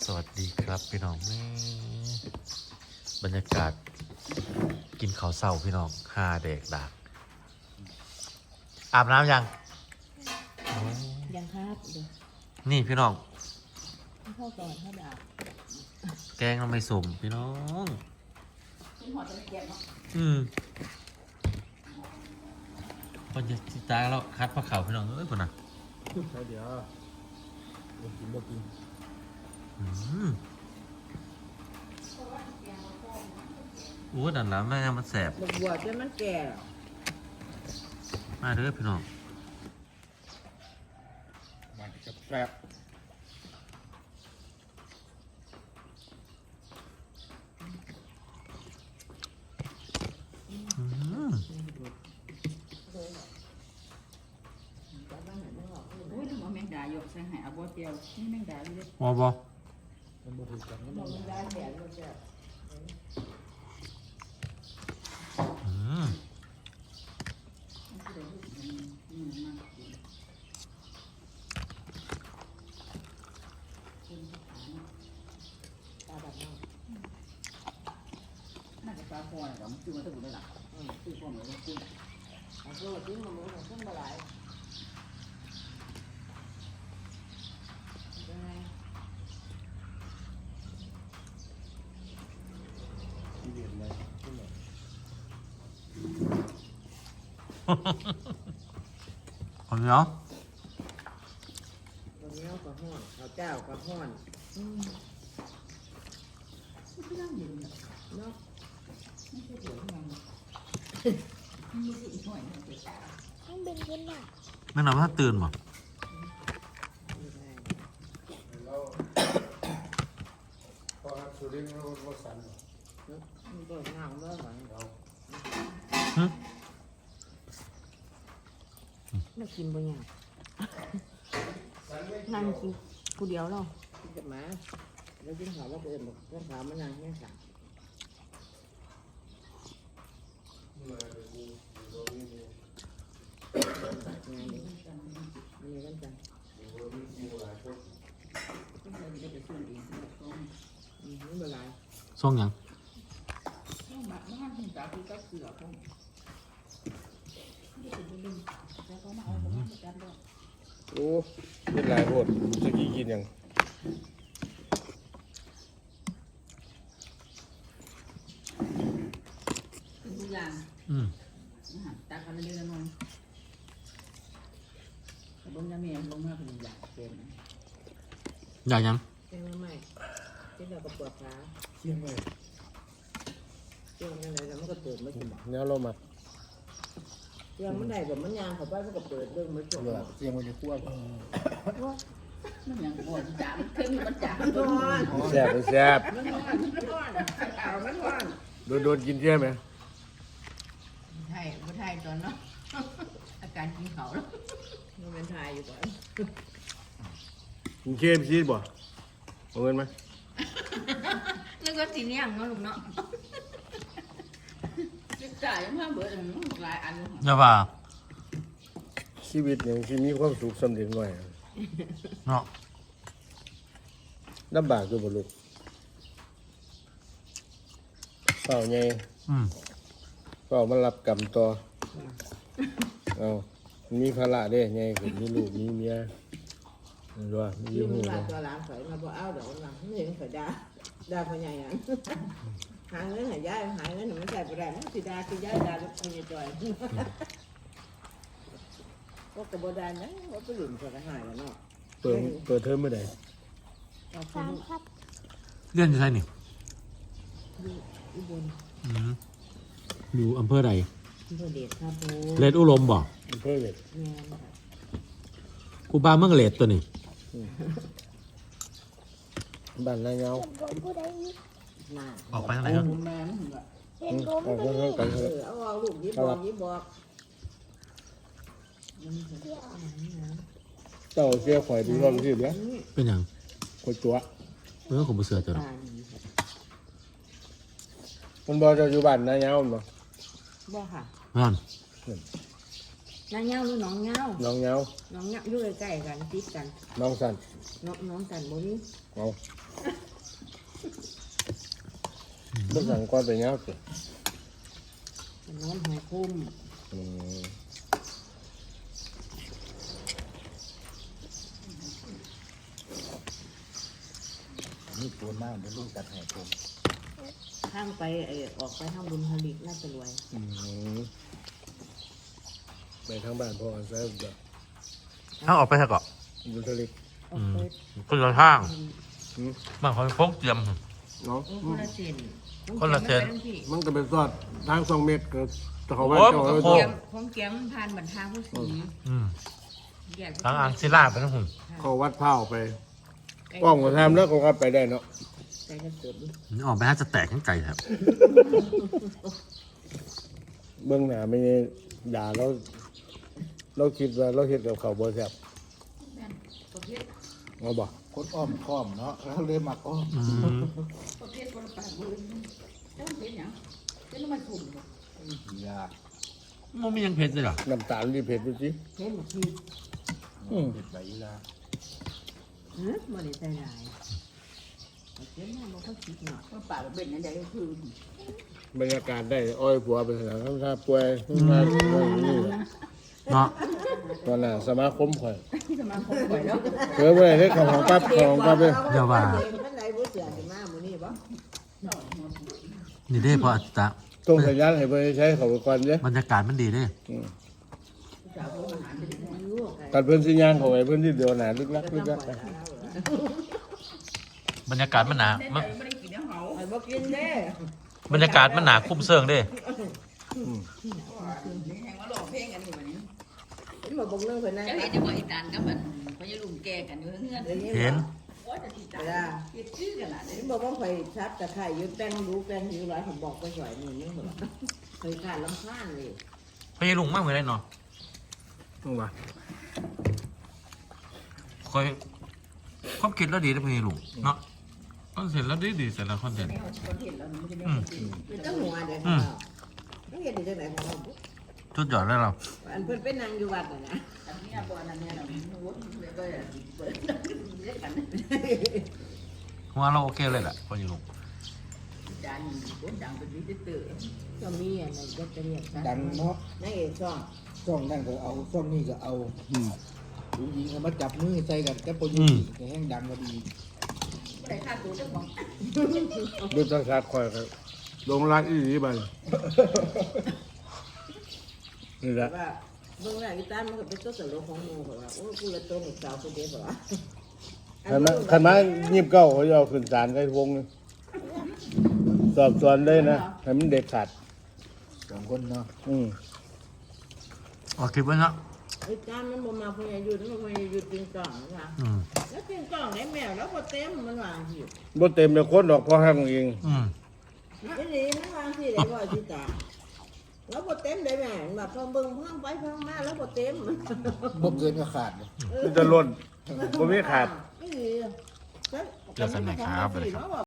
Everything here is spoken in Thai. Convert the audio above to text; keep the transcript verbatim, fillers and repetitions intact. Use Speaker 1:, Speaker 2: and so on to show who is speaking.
Speaker 1: วัสดีครับพี่น้องนี่บรรยากาศกินข้าวเศร้าพี่น้องห้าเด็กดักอาบน้ำยัง
Speaker 2: ยังครับเดี๋ยว
Speaker 1: นี่พี่น้อง
Speaker 2: เข้าก่อนเข้าดาบ
Speaker 1: แกงเราไม่สมพี่น้องอืมพอจะจิตาแล้วคัดพระเขาพี่น้องเอ้ยคนน่ะ
Speaker 3: เดี๋ยวบ่กินบ่กิน
Speaker 1: อืมโอ้ดันแล้วแม่มันแสบ
Speaker 2: บัวจนมันแก่
Speaker 1: มาเด้อพี่น้อง
Speaker 3: มันจะแซ่บ
Speaker 1: อืม
Speaker 2: อุ้ยทำไมแมงดาหยกใส่หายเอาบัวเตียวนี่แมงดาเลย
Speaker 1: บอบอ
Speaker 3: มันบ่ถูกกันมัน
Speaker 2: แมงดาแก่เลยจ้ะ
Speaker 1: อืม
Speaker 2: น่าจะปลาพอนะผมซื้อมาตั้งแต่ไหนล่ะซื้อพอเหมือนซื้อเอาซื้อมาซื้อมาหมูซื้อมาหลาย
Speaker 3: ที่เด็ดเลยขึ้นมา
Speaker 1: คนเนาะ
Speaker 2: วันนี้ก็ห้อนข้าวเจ้าก็ห้อนอืมไม่ได้ยินเนาะไม่ใช่เดี๋ยวมันไม่ใช่อีกหน่อยนึงเจ้าต้องเป็นคนหนัก
Speaker 1: แม่น้ำถ้าตื่นบ่
Speaker 3: แล้วพอสุรินทร์เราเราสั่น
Speaker 2: มันก็งามแล้วหลังเราไม่กินบ่ยากนั่งกินกูเดียวเรากินกับหมาแล้วกินหอมว่าเกินบอกเรื่องขาวมันนางแค่สาม
Speaker 3: มาเดี๋ยวกูเดี๋ยวนี้เนี่ย
Speaker 2: งานนี้มีกันจัง
Speaker 3: เดี๋ยวนี้มีหลายคน
Speaker 2: ต้องไปได้ไปซื้อเองต้องอืมไม่เป็นไร
Speaker 1: ส่งยัง
Speaker 2: ต้องมาบ้านคุณตาคือก็เสือพงนี่เป็นลืมแต่เขามาเอาไปให้จันด้วย
Speaker 3: โอ้เป็นหลายโพดจะกี่กินยัง
Speaker 2: ทุกอย่าง
Speaker 1: อืม
Speaker 2: ตาเขาเรียนนอนแต่บนยาเมียลงมาเป็นอย่างเต็ม
Speaker 1: อยากยัง
Speaker 2: เต็มไม่ที่เราก็ปวดขา
Speaker 3: เชี่ยงเลย
Speaker 2: เต็มยังไงแล้วมันก็เปิดไม่ถึง
Speaker 3: แนวเรามา
Speaker 2: เต็มมันได้แบบมันยางเขาไปมันก็เปิดเรื่องไม่จบ
Speaker 3: เลือดเชี่ยงมันจะคั่ว
Speaker 2: มันยังปวดจังขึ้นมันจังมัน
Speaker 3: แซ่บมันแซ่บ
Speaker 2: มันร้อนมันร้อนเอามันร้อน
Speaker 3: โดนโดนกินเชี่ยไหม
Speaker 2: ไทยบ่ไทยตอนเนาะอาการกินเขาแล้วมันเป็นไทยอยู่ก่อน
Speaker 3: กินเชี่ยมชีสบ่เอาเงินไหม
Speaker 2: นึกว่าสีเนี่ยงเนาะลูกเนาะศึกษายังเพิ่มเบิดหลายอัน
Speaker 1: อย่าว่า
Speaker 3: ชีวิตอย่างที่มีความสุขสำเร็จหน่อย
Speaker 1: เนาะ
Speaker 3: ลำบากอยู่บ่ลูกเฝ้าไง
Speaker 1: อืม
Speaker 3: เฝ้ามารับกรรมต่อเอามีภาระเด้ไงผมมีลูกมีเมียมันว่ามี
Speaker 2: ยื
Speaker 3: อยู่
Speaker 2: ม
Speaker 3: หู
Speaker 2: มา
Speaker 3: นะ
Speaker 2: ตัวหลานข่อยมาบ่เอาดอกหลังไม่เห็นข่อยด่าด่าพ่อใหญ่อ่ะหาเงินหายายหายเงินมันใส่บ่ได้มันสิด่าคือยายด่าลูกพ่อใหญ่จ่อยก็กระบ่ได้นะว่าไปหลุมข่อยก็หายแล้วเนาะ
Speaker 3: เปิดเปิดเทอมเมื่อไหร่
Speaker 2: สามครับ
Speaker 1: เรียนอยู่ไสนี่
Speaker 2: อุบล
Speaker 1: อืมอยู่อำเภอใด
Speaker 2: อำเภอเดชครับผม
Speaker 1: เลดอุลมบ่
Speaker 3: อำเภอเวท
Speaker 2: แม่นค่ะ
Speaker 1: กูบ้าเมืองเลดตัวนี้
Speaker 3: บ้านนายเงา
Speaker 2: น่า
Speaker 1: ออกไปทางไหนครับ
Speaker 2: แม่นเหรอ
Speaker 3: อืมออกมาเท่ากัน
Speaker 2: เอ
Speaker 3: เถอะ
Speaker 2: อเอาเอาลูกยิบบอกยิบบอก
Speaker 3: เจ้าเสียข่อยดูรอบที่เดียว
Speaker 1: เป็นหยัง
Speaker 3: ข่อยตัว
Speaker 1: เออผมบ่เสือตัว
Speaker 2: ตา
Speaker 1: เนาะ
Speaker 2: ดี
Speaker 3: มันบอกเจ้าอยู่บ้านนายเงาบ่
Speaker 2: บ่ค่ะ
Speaker 1: นั่น
Speaker 2: นางเงาหรือน้องเงา
Speaker 3: น้องเหงา
Speaker 2: น้องเงาอยู่ใกล้ๆกันติดกัน
Speaker 3: น้องสัน
Speaker 2: น้องน้องกันบ่มี
Speaker 3: เอาบ่สั่งก่อนไปเหงาสิ
Speaker 2: น้องหัวคุ้ม
Speaker 3: อืม
Speaker 4: นี่ตัวมากเดี๋ยวลูกตัดให้ผม
Speaker 2: ข้างไปไอ้ออกไปทางบุญผลิตน่าจะรวย
Speaker 3: อืมไปทางบ้านพ่อใช่แบบ
Speaker 1: ถ้าออกไปซะก่อน
Speaker 3: บุญทลิก
Speaker 2: ออกไป
Speaker 1: คนละทาง
Speaker 3: อืม
Speaker 1: บางคนพกเตรียม
Speaker 3: เนาะ
Speaker 2: คนละเส้น
Speaker 1: คนละเส้น
Speaker 3: มันก็เป็นซอดทางสองเมตรก็เขาว่า
Speaker 1: โอ้ย
Speaker 3: เจ้า
Speaker 1: มันก็
Speaker 3: เอา
Speaker 1: โค้
Speaker 2: แก้
Speaker 1: ง
Speaker 2: มของแก้มผ่านบรรทางผู้สี
Speaker 1: อืม
Speaker 2: แยก
Speaker 1: ทางอ่างศิลาไปนะหุ่น
Speaker 3: เขาวัดเผาไปกล้องก็ทำแล้วก็ขับไปได้เนาะ
Speaker 2: ใจกระเสือก
Speaker 1: นี่ออกไปน่าจะแตกทั้งใจครับ
Speaker 3: เบื้องหน้าไม่ได้ด่าเราเราคิดว่าเราเห็นกับเขาบ่แซ่บเอาบ่
Speaker 4: คนอ้อมค้อมเนาะเราเลยมักอ้อม
Speaker 1: อืม
Speaker 4: ยาก
Speaker 1: มันมียังเผ็ดเลยเหรอ
Speaker 3: น้ำตาลรีเผ็ดดูสิ
Speaker 2: เห็นบ่คือ
Speaker 3: อืม
Speaker 4: เผ็ดใบอีลา
Speaker 2: ฮะบ่ได้ใจหลายเขียนมาบ่เขาคิดเนาะ
Speaker 5: ก็ป่าเป็นนั่นได้คือบ
Speaker 3: รรยากาศได้อ้อยผัวไปสนามถ้าป่วยถ้านี่แหละ
Speaker 1: เนาะ
Speaker 3: ตอนน่ะสมาคมข่อย
Speaker 5: สมาคมไปแล้ว
Speaker 3: เผื่อไว้ให้ของของปั๊บของปั๊บเลย
Speaker 1: เดี๋ยวว่า
Speaker 2: มันได้บ่เสือสิมามื้อนี้บ่
Speaker 1: นี่เด้พออาจจะ
Speaker 3: ส่งสัญญาณให้เพิ่นใช้เขาไปก่อนเด้
Speaker 1: บรรยากาศมันดีเด้
Speaker 3: อืม
Speaker 5: สาวผู้อาหารเป็นยังไง
Speaker 2: อายุก็
Speaker 3: กันเพิ่นสิย่างเขาไว้เพิ่นที่เดียวหนาลึกลักลึกลักไป
Speaker 1: บรรยากาศมันหนามัน
Speaker 5: ไม่ได้กินแล้วเหา
Speaker 2: ไอ้บ่กินเด้
Speaker 1: บรรยากาศมันหนาคุ้มเซิงเด้
Speaker 5: นี่แห่งว่าหลอกเพลงกันอยู่วันนี้
Speaker 2: เห็นบ่บ่งนึงเพิ่นนั่ง
Speaker 5: จะเห็นจะบอกอีตานกับมันพญาลุงแก่กันอยู่เงื่อน
Speaker 1: เห็น
Speaker 5: ว่าจะติดตามคิดชื่อกันละ
Speaker 2: เห็นบ่ว่าข่อยชัดตะไคร้อยู่แป้งรู้แป้งอยู่หลายผมบอกไปสวยนี่นี่บ่เคยขาดลำคาญเลย
Speaker 1: พยาลุงมากเหมือนไรเนาะ
Speaker 3: ต้องว่า
Speaker 1: คอยความคิดแล้วดีนะพยาลุงเนาะคอนเซ็ปต์แล้วดีดีแต่ละคอนเซ็ปต์
Speaker 5: นี่เขาคนเห็นเราไม่ได้
Speaker 1: อืม
Speaker 2: เป็นตั้งหัวเด้อของเราไม่เห็นได้จังได๋ของเรา
Speaker 1: ชุดยอดแล้วเรา
Speaker 2: อันเพิ่นไปนั่งอยู่วัดน่ะนะ
Speaker 5: อันนี้บ่อันนี้เราโน้ตเลยก็เปิดเรียกกัน
Speaker 1: หัวเราโอเคเลยแหละพยาลุง
Speaker 5: จานโคตรดังเป็นวิจิตร
Speaker 2: ก็มีอันนั้นจะเรียกกัน
Speaker 4: ดังเนาะ
Speaker 2: นางเอกช่อง
Speaker 4: ช่องนั่นก็เอาช่องนี้ก็เอา
Speaker 3: อืม
Speaker 4: ผู้หญิงก็มาจับมือใส่กันกับปยุก็แห้งดังก็ดี
Speaker 5: ไม่ได้ค่าตัวเจ้าของ
Speaker 3: ดูทางชาติข่อยครับลงรักอีหลีบัดนี้นี่แหละ
Speaker 2: ว่าเบิ่งแล้วอีตามันก็เป็นตัวตลกของหมู่เขาว่าโอ้กูละตัวให้สาวคนเดียวบ่ว่า
Speaker 3: คันมาคันมายิบเก้าเขาจะเอาขึ้นศาลไว้วงหนึงสอบสวนเลยนะให้มันเด็ดขาด
Speaker 4: สองคนเนาะ
Speaker 3: อืม
Speaker 1: ออกคลิปไว้เนาะ
Speaker 2: ไอ้ตามันบ่มาพยายุทธ์มันพยายุทธ์จริงจังนะ
Speaker 1: อืม
Speaker 2: แล้วจริงจังได้แมวแล้วบ่เต็มมันวางสิ
Speaker 3: บ่เต็มเลยคนดอกพอห้างเอง
Speaker 1: อืม
Speaker 2: นี่นี่มันวางสิได้บ่สิตาแล้วบ่เต็มได้แม่แบบพอเบิ่งเพิ่มไปเพิ่มมาแล้วบ่เต็ม
Speaker 4: บ่เกินก็ขาด
Speaker 3: มันจะล้นบ่มีขาด
Speaker 2: ไม่ดี
Speaker 1: เจอกันใหม่ครับสวัสดีครับ